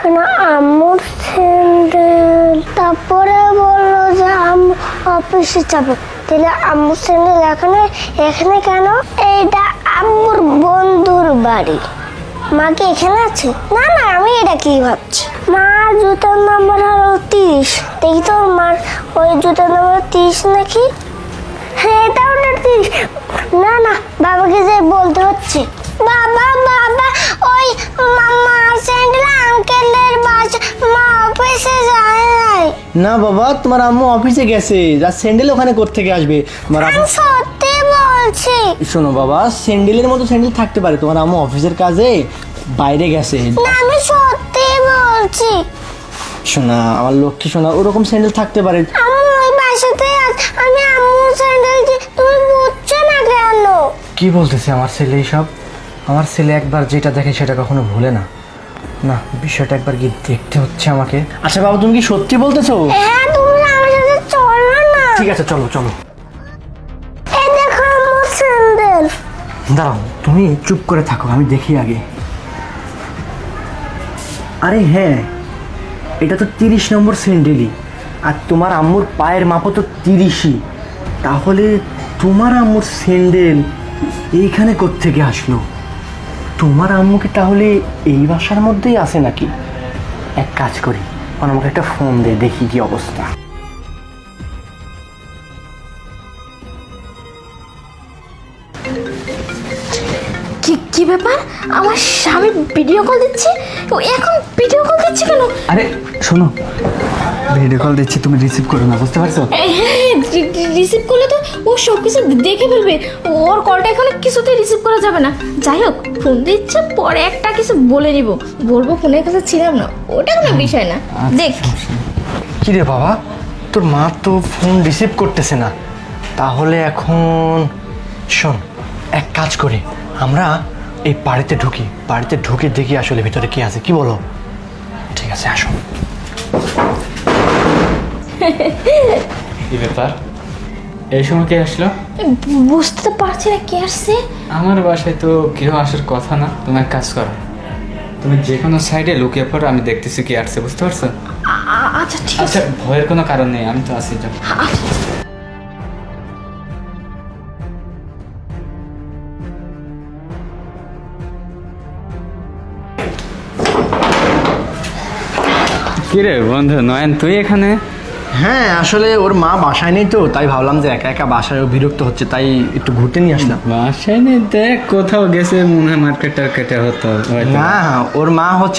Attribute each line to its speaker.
Speaker 1: এখানে আম্মুর স্যান্ডেল, তারপরে বললো যে আম্মু অফিসে যাবে। তাহলে আম্মুর স্যান্ডেল এখানে এখানে কেন? এইটা আম্মুর বন্ধুর বাড়ি। মা কি এখানে আছে? না না, আমি এটা কি ভাবছি। মা জুতার নাম্বার হলো 30। দেখি তোর মার ওই জুতার নাম্বার 30 নাকি? হ্যাঁ, এটা ওটা 30। না না, বাবাকে যে বলতে হচ্ছে। বাবা বাবা, ওই মামা স্যান্ডেল আঙ্কেলের বাসা, মা অফিসে যায় নাই।
Speaker 2: না বাবা, তোমার আম্মু অফিসে গেছে, যা স্যান্ডেল ওখানে কোত্থেকে আসবে? তোমার
Speaker 1: আমি সত্যি বলছি।
Speaker 2: শোনো বাবা, স্যান্ডেলের মতো স্যান্ডেল থাকতে পারে, তোমার আম্মু অফিসের কাজে বাইরে গেছে।
Speaker 1: না, আমি সত্যি বলছি।
Speaker 2: শোনা আমার লক্ষ্মী শোনা, ওরকম স্যান্ডেল থাকতে পারে।
Speaker 1: আম্মু ওই বাসাতে আছে, আমি আম্মুর স্যান্ডেল যে তুমি বুঝছো না কেন?
Speaker 2: কি বলতেছে আমার ছেলে এইসব? আমার ছেলে একবার যেটা দেখে সেটা কখনো ভুলে না। না, বিষয়টা একবার কি দেখতে হচ্ছে আমাকে। আচ্ছা বাবা, তুমি কি সত্যি বলতেছো?
Speaker 1: হ্যাঁ, তুমি আমার সাথে চলো না।
Speaker 2: ঠিক আছে, চলো চলো।
Speaker 1: এই দেখো আম্মুর স্যান্ডেল।
Speaker 2: দাঁড়াও, তুমি চুপ করে থাকো, আমি দেখি আগে। আরে হ্যাঁ, এটা তো 30 নম্বর স্যান্ডেলই, আর তোমার আম্মুর পায়ের মাপও তো 30ই। তাহলে তোমার আম্মুর স্যান্ডেল এইখানে কোত্থেকে আসলো? তোমার আম্মুকে তাহলে এই বাসার মধ্যেই আছে নাকি? এক কাজ করি, আমাকে একটা ফোন দে, দেখি কি অবস্থা।
Speaker 3: কি কি ব্যাপার? আমার স্বামী ভিডিও কল দিচ্ছে। ও এখন ভিডিও কল দিচ্ছে কেন?
Speaker 4: আরে শোনো, ভিডিও কল দিচ্ছি, তুমি রিসিভ করো না, বুঝতে পারছো?
Speaker 3: হ্যাঁ, রিসিভ করলে তো ও সব কিছু দেখে ফেলবে। ওর কলটা এখন কিছুতেই রিসিভ করা যাবে না। যাই হোক, ফোন দিচ্ছে, পরে একটা কিছু বলে নিব, বলবো ফোনের কাছে ছিলাম না, ওটা কোনো বিষয় না। দেখ,
Speaker 2: কি রে বাবা, তোর মা তো ফোন রিসিভ করতেছে না, তাহলে এখন শোন, এক কাজ করি, আমরা এই বাড়িতে ঢুকি, বাড়িতে ঢুকে দেখি আসলে ভিতরে কি আছে, কি বলো? ঠিক আছে, আসো।
Speaker 5: কি ব্যাপার, এই সময় কে আসলো?
Speaker 3: বুঝতে তো পারছি না কে আসছে।
Speaker 5: আমার বাসায় তো কেউ আসার কথা না। তুমি এক কাজ করো, তুমি যে কোনো সাইডে লুকিয়ে পড়ো, আমি দেখতেছি কি আসছে, বুঝতে পারছো?
Speaker 3: আচ্ছা ঠিক
Speaker 5: আচ্ছা,
Speaker 3: আছে।
Speaker 5: ভয়ের কোনো কারণ নেই, আমি তো আছি। যাও। কিরে বন্ধু নয়ন, তুই এখানে?
Speaker 2: হ্যাঁ, আসলে ওর মা বাসায় নেই তো, তাই ভাবলাম যে একা একা বাসায় ও বিরক্ত হচ্ছে, তাই একটু ঘুরতে নিয়ে আসলাম।
Speaker 5: বাসায় নেই? দেখ কোথাও গেছে মনে হয়, মার্কেট টার্কেটে হতো হয়তো।
Speaker 2: না, ওর মা হচ্ছে